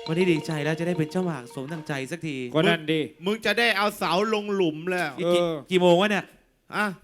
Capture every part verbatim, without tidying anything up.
วันนี้ดีใจแล้วจะได้เป็นเจ้าหมากสมดังใจสักทีก็นั่นดิมึงจะได้เอาเสาลงหลุมแล้วกี่กี่โมงวะเนี่ยอ่ะ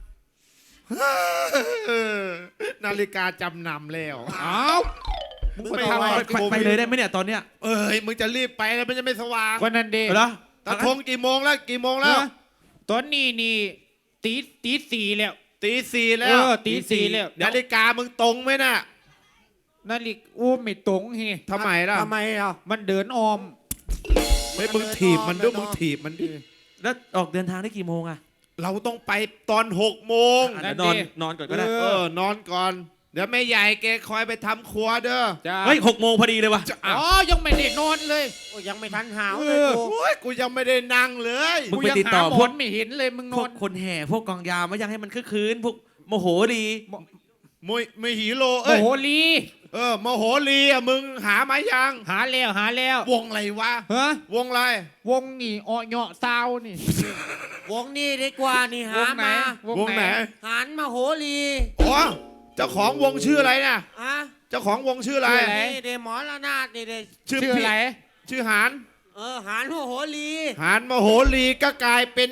นาฬิกาจำนำแล้วอ้าวมึงไปทำอะไรไปไปเลยได้ไหมเนี่ยตอนเนี้ยเอ้ยมึงจะรีบไปแล้วมันจะไม่สว่างก็นั่นดิเหรอตะทงกี่โมงแล้วกี่โมงแล้วตอนนี้นี่ตีตีสี่แล้วตีสี่แล้เอวอตีสี่แล้วนาฬิกามึงตรงไหมน่ะนาฬิกาอู้ไม่ตรงเฮทำไมล่ะทำไมอ่ะมันเดินออมไม่มึงถีบมันด้วยมึงถีบมันดิแล้วออกเดินทางได้กี่โมงอะเราต้องไปตอนหกโมงอ่ะเดี๋ยวนอนนอนก่อนก็ได้เออนอนก่อน เดี๋ยวแม่ใหญ่แกคอยไปทำครัวเด้อจ้าเฮ้ยหกโมงพอดีเลยวะอ๋อยังไม่ได้นอนเลยโอ้ยยังไม่ทันหาวเอเลยอกูโอ้ยกูยังไม่ได้นั่งเลยมึงกูไปยังติดต่อหาหมพวอก นไม่เห็นเลยมึงนพวอก นคนแห่พวกกองยาวมายังให้มันคึกคืนพวกโมโหดีมวยมวยหีโลโอ้เอ้ยโหลีเออมโหรีอ่ะมึงหามายังหาแล้วหาแล้ววงอะไรวะฮะวงอะไรวงนี่ออเหยาะซาวนี่วงนี้ดีกว่านี่หาวงไหนมาวงไหนหันมาโหรีอ๋อเจ้าของวงชื่ออะไรน่ะอ่ะเจ้าของวงชื่ออะไรชื่ออะไรนี่เดหมอละนาดนี่เดชื่อชื่อพี่อะไรชื่อหานเออหันมาโหรีหานมโหรีก็กลายเป็น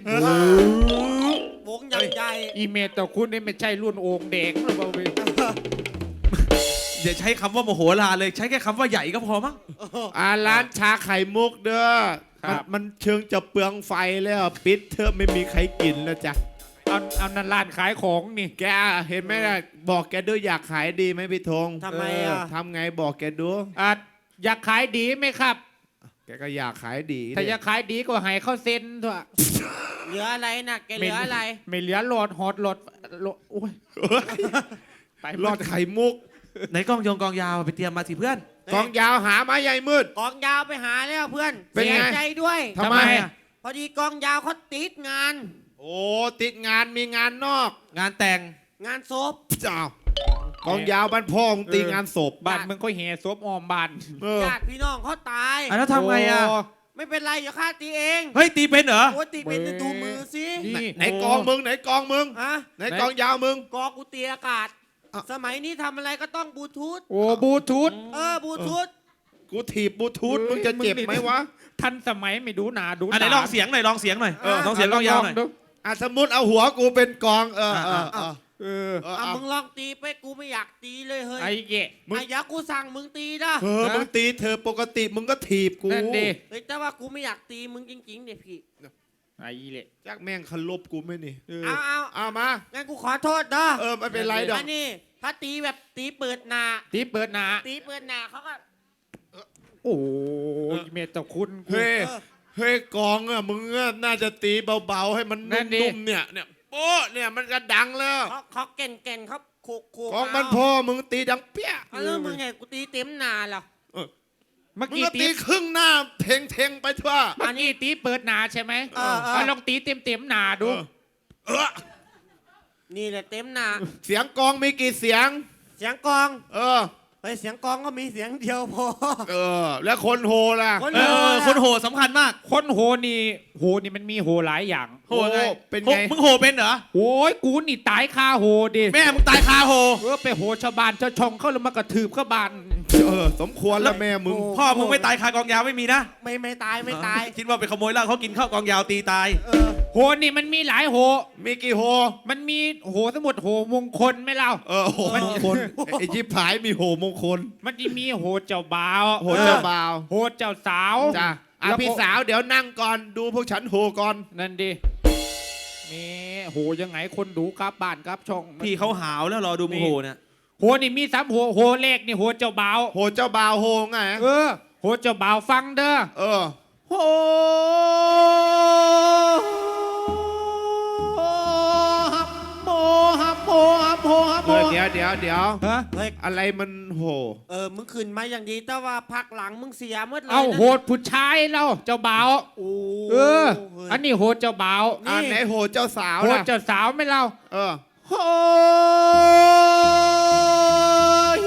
วงใหญ่ใหญ่อีเมลแต่คุณนี่ไม่ใช่รุ่นโอ่งแดงหรือเปล่าเว้ยอย่าใช้คำว่าโมโหลานเลยใช้แค่คำว่าใหญ่ก็พอมั้งอ่าร้านชาไข่มุกเด้อมันมันเชิงจะเปลืองไฟแล้วปิดเถอะไม่มีใครกินแล้วจ้ะเอาเอานันร้านขายของนี่แกเห็นไหมล่ะบอกแกด้วยอยากขายดีไหมพี่ธงทำไมอ่ะเทำไงบอกแกดูอ่ะอยากขายดีไหมครับแกก็อยากขายดีถ้าอยากขายดีก็ให้เข้าเซ็นเถอะเหลืออะไรน่ะแกเหลืออะไรไม่เหลือโหลดฮอตโหลดโหลดโอ้ยไปรอดไข่มุกไหนกองยงกองยาวไปเตรียมมาสิเพื่อนกองยาวหามาใหญ่มืดกองยาวไปหาแล้วเพื่อนเป็นไงเสียใจด้วยทำไมอะพอดีกองยาวเขาติดงานโอ้ติดงานมีงานนอกงานแต่งงานศพเจ้ากองยาวบ้านพ่อมึงตีงานศพบ้านมึงก็แห่ซบออมบ้านเออญาติพี่น้องเขาตายอ่ะแล้วทำไงอ่ะโไม่เป็นไรเดี๋ยวข้าตีเองเฮ้ยตีเป็นเหรอโอ้ยตีเป็นจะดูมือสินี่ไหนกองมึงไหนกองมึงฮะไหนกองยาวมึงกองกูตีอากาศอ่ะสมัยนี้ทำอะไรก็ต้องบลูทูธโอ้บลูทูธเออบลูทูธกูถีบบลูทูธเอ้ยมึงจะเจ็บมึงนี่ไหมวะทันสมัยไม่ดูหนาดูอันไหนลองเสียงหน่อยลองเสียงหน่อยเออลองเสียงกองยาวหน่อยดูอ่ะสมมติเอาหัวกูเป็นกองเออเออเออเออเอออ่ะเอามึงลองตีไปกูไม่อยากตีเลยเฮ้ยไอ้เกะมึงอ่ะอยากกูสั่งมึงตีนะเออมึงตีเธอปกติมึงก็ถีบกูนั่นดิเฮ้ยแต่ว่ากูไม่อยากตีมึงจริงๆเนี่ยพี่ไอ้เละจักแม่งคันลบกูไหมนี่เออเอาเอาเอามางั้นกูขอโทษเด้อเออไม่เป็นไรดอกอันนี้ถ้าตีแบบตีเปิดหนาตีเปิดหนาตีเปิดหนาเขาก็โอ้ยเมตตาคุณกูเฮ้ยเออเฮ้ยกองอ่ะมึงอะน่าจะตีเบาๆให้มันนั่นดินุ่มๆเนี่ยเนี่ยโป๊ะเนี่ยมันก็ดังแล้วเขาเขาเก่นเก่นๆเขาโคกโคกองมันพ่อมึงตีดังเปี้ยเอาแล้วมึงไงกูตีเต็มหนาเหรอเมื่อมึงกี้ก็ตีตีครึ่งหน้าเทงเทงๆไปทั่วเมื่อกี้ตีเปิดหนาใช่ไหมเออเออเอาลองตีเต็มเต็มๆหนาดูเออนี่แหละเต็มหนาเสียงกองมีกี่เสียงเสียงกองเออเฮ้ยเสียงกองก็มีเสียงเดียวพอเออ แล้วคนโฮล่ะคนเออคนโหสำคัญมากคนโหนี่โหนี่มันมีโหหลายอย่างโหไงเป็นโหไงมึงโหเป็นเหรอโอ้ยกูนี่ตายคาโหดิแม่มึงตายคาโหเออไปโหชาวบ้านชาวช่องเขาแล้วมากระทืบเข้าบ้านเออ สมควรแล้วแม่มึงพ่อมึงไม่ตายคากองยาวไม่มีนะไม่ไม่ตายไม่ตายคิดว่าไปขโมยเหล้าเขากินข้าวกองยาวตีตายเออโหนี่มันมีหลายโหมีกี่โฮมันมีโหสมุดโหมงคลไหมเล่าเออโหมงคลไอ้ชิบหายมีโหมงคลมันจะมีโหเจ้าบ่าวโหเจ้าบ่าวโหเจ้าสาวจ้ะอ่ะแล้วพี่สาวเดี๋ยวนั่งก่อนดูพวกฉันโหก่อนนั่นดิมีโหยังไงคนดูกลับบ้านกลับช่องพี่เขาหาวแล้วรอดูมึงโหเนี่ยโหนี่มีสามโหโหเลขนี่โหเจ้าบ่าวโหเจ้าบ่าวโหไงเออโหเจ้าบ่าวฟังเด้อเออโหฮับโหฮับโหฮับโหฮับเอโหอเดี๋ยวเดี๋ยวเดี๋ยวฮะเฮ้ยอะไรมันโหเออมึงขึ้นมาอย่างดีแต่ว่าพักหลังมึงเสียหมดเลยเอานะโหดผู้ชายเราเจ้าบ่าวโอ้เออเฮ้ยอันนี้โหดเจ้าบ่าวอ่าไหนโหเจ้าสาวโหดล่ะเจ้าสาวไหม่เล่าเออโหย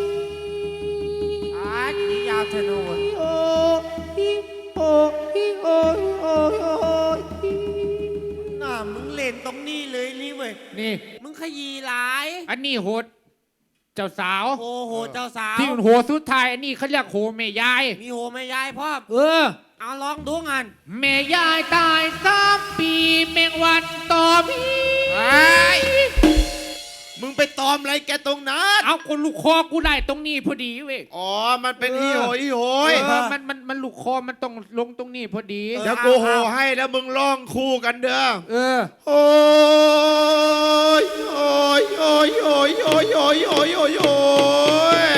อาตียาวธนูโอ้ยโอ้ยโอ้ยโอ้ยโอ้ยน่ามึงเล่นตรงนี้เลยนี่เว้ยนี่มึงขยีหลายอันนี้โหดเจ้าสาวโอ้โหเจ้าสาวที่โหสุดท้ายอันนี้เขาเรียกโหแม่ยายมีโหแม่ยายพ่อมเออเอาลองดูงานแม่ยายตายสามปีแมงวันตอมไอ้มึงไปตอมอะไรแกตรงนั้นเอากูลูกคอกูได้ตรงนี้พอดีเว้ยอ๋อมันเป็นอีโหยอีโหยเออมันมันมันลูกคอมันต้องลงตรงนี้พอดีเดี๋ยวกูโหให้แล้วมึงร้องคู่กันเด้อเออโอ้ยโอ้ยโอ้ยโอ้ยโอ้ยโอ้ยโอ้ยโอ้ยโอ้ย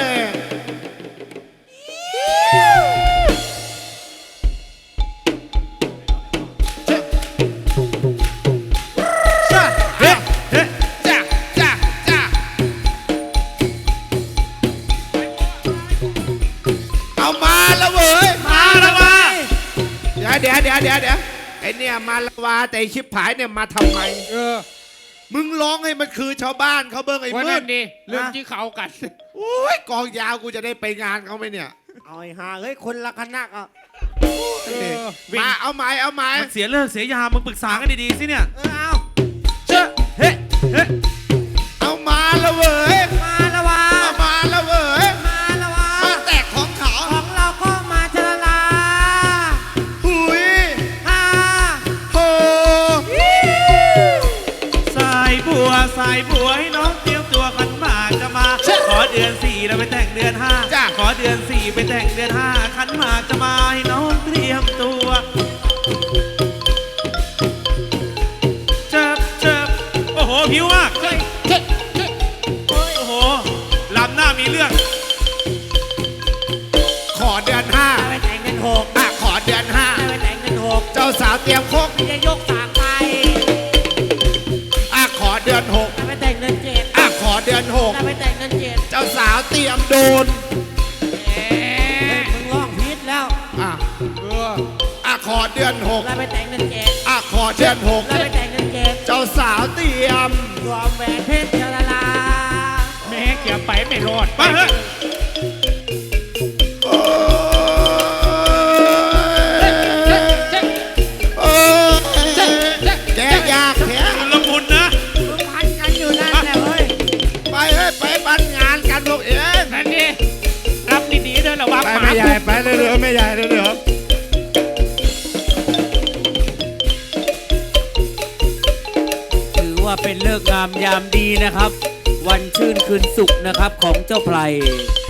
เฮ้เฮ้จ้าจ้าจ้าเอามาแล้วเว้ยมาแล้ววะเดี๋ยวเดี๋ยวเดี๋ยวเดี๋ยวเดี๋ยวไอเนี่ยมาละวาแต่ไอ้ชิบหายเนี่ยมาทำไมเออมึงร้องให้มันคือชาวบ้านเขาเบิ้งไอ้วันมืนั้ดนดิเรื่องที่เขากันโอ้ยกองยาวกูจะได้ไปงานเขาไหมเนี่ยเอาไอ้ห่าเฮ้ยคนละคณะอ่ะเออมาเอาไม้เอาไม้มันเสียเลิกเสียยามมึงปรึกษากันดีๆสิเนี่ยเออเอาเจ้าเฮ้เฮ้เอามาแล้วเว้ยมาละวะเอามาแล้วเว้ยมาละวะมาแตกของเขาของเราก็มาเจรลาหุยฮ่าโหสายบัวสายบัวให้น้องเตรียมตัวขันหมากจะมา ขอเดือนสี่แล้วไปแต่งเดือนห้าขอเดือนสี่ไปแต่งเดือนห้าขันหมากจะมาให้น้องเตรียมตัวเจ็บเจ็บโอ้โหผิวมากโอ้โหลำหน้ามีเรื่องขอเดือนห้าไปแต่งเงินหกอ่ะขอเดือนห้าไปแต่งเงินหกเจ้าสาวเตรียมโคกจะยกสากไปอ่ะขอเดือนหกไปแต่งเงินเจ็ดอ่ะขอเดือนหกไปแต่งเงินเจ็ดเจ้าสาวเตรียมโดนเฮ้ยมึงร้องผิดแล้วอ่ะเอออ่ะขอเดือนหกแล้วไปแต่งเงินเจ็ดอ่ะขอเดือนหกแล้วไปแต่งเงินเจ็ดเจ้าสาวเตรียมรวมแหวนเพชรเจรลาแม่เกี่ยวไปไม่รอดไปเถอะโอ้ยเจ๊เจ๊โอ้ยเจ๊เจ๊แกอยากแท้ชุลมุนนะมึงพันกันอยู่นั่นแหละเฮ้ยไปเฮ้ยไปบ้านงานกันพวกเองนั่นดิรับดีๆเด้อระวังไปหมาไม่ใหญ่ไปเรื่อยๆไม่ใหญ่เรื่อยถือว่าเป็นเลิกษ์งามยามดีนะครับ วันชื่นคืนสุขนะครับของเจ้าไพร